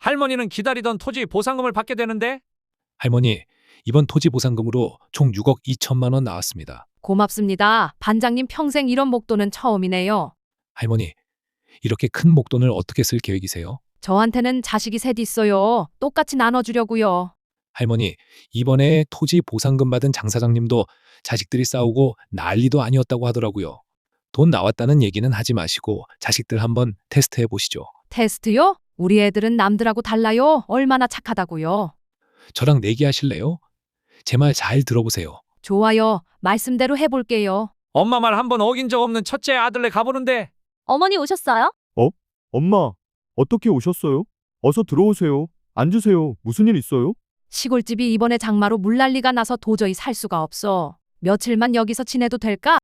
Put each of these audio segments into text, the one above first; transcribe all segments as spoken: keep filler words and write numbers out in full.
할머니는 기다리던 토지 보상금을 받게 되는데 할머니, 이번 토지 보상금으로 총 육억 이천만 원 나왔습니다. 고맙습니다. 반장님 평생 이런 목돈은 처음이네요. 할머니, 이렇게 큰 목돈을 어떻게 쓸 계획이세요? 저한테는 자식이 셋 있어요. 똑같이 나눠주려고요. 할머니, 이번에 토지 보상금 받은 장사장님도 자식들이 싸우고 난리도 아니었다고 하더라고요. 돈 나왔다는 얘기는 하지 마시고 자식들 한번 테스트해 보시죠. 테스트요? 우리 애들은 남들하고 달라요. 얼마나 착하다고요. 저랑 내기하실래요? 제 말 잘 들어보세요. 좋아요. 말씀대로 해볼게요. 엄마 말 한 번 어긴 적 없는 첫째 아들네 가보는데 어머니 오셨어요? 엄마, 어떻게 오셨어요? 어서 들어오세요. 앉으세요. 무슨 일 있어요? 시골집이 이번에 장마로 물난리가 나서 도저히 살 수가 없어. 며칠만 여기서 지내도 될까?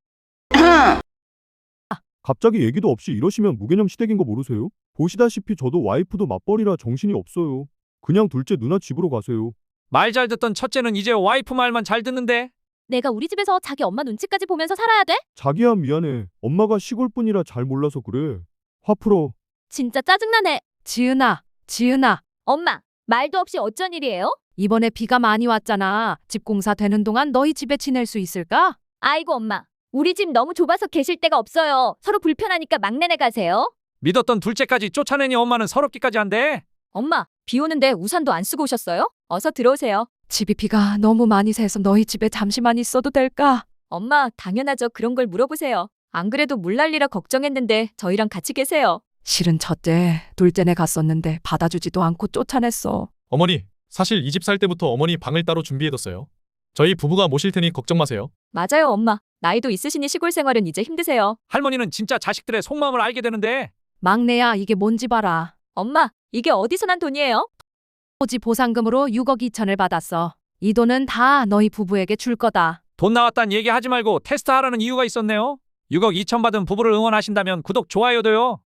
갑자기 얘기도 없이 이러시면 무개념 시댁인 거 모르세요? 보시다시피 저도 와이프도 맞벌이라 정신이 없어요. 그냥 둘째 누나 집으로 가세요. 말 잘 듣던 첫째는 이제 와이프 말만 잘 듣는데 내가 우리 집에서 자기 엄마 눈치까지 보면서 살아야 돼? 자기야 미안해. 엄마가 시골뿐이라 잘 몰라서 그래. 화 풀어. 진짜 짜증나네. 지은아, 지은아. 엄마, 말도 없이 어쩐 일이에요? 이번에 비가 많이 왔잖아. 집 공사 되는 동안 너희 집에 지낼 수 있을까? 아이고 엄마, 우리 집 너무 좁아서 계실 데가 없어요. 서로 불편하니까 막내네 가세요. 믿었던 둘째까지 쫓아내니 엄마는 서럽기까지 한대. 엄마, 비 오는데 우산도 안 쓰고 오셨어요? 어서 들어오세요. 집이 비가 너무 많이 새서 너희 집에 잠시만 있어도 될까? 엄마, 당연하죠. 그런 걸 물어보세요. 안 그래도 물난리라 걱정했는데 저희랑 같이 계세요. 실은 첫째, 둘째네 갔었는데 받아주지도 않고 쫓아냈어. 어머니, 사실 이 집 살 때부터 어머니 방을 따로 준비해뒀어요. 저희 부부가 모실 테니 걱정 마세요. 맞아요, 엄마. 나이도 있으시니 시골 생활은 이제 힘드세요. 할머니는 진짜 자식들의 속마음을 알게 되는데 막내야, 이게 뭔지 봐라. 엄마, 이게 어디서 난 돈이에요? 토지 보상금으로 육억 이천을 받았어. 이 돈은 다 너희 부부에게 줄 거다. 돈 나왔단 얘기 하지 말고 테스트하라는 이유가 있었네요. 육억 이천 받은 부부를 응원하신다면 구독, 좋아요도요.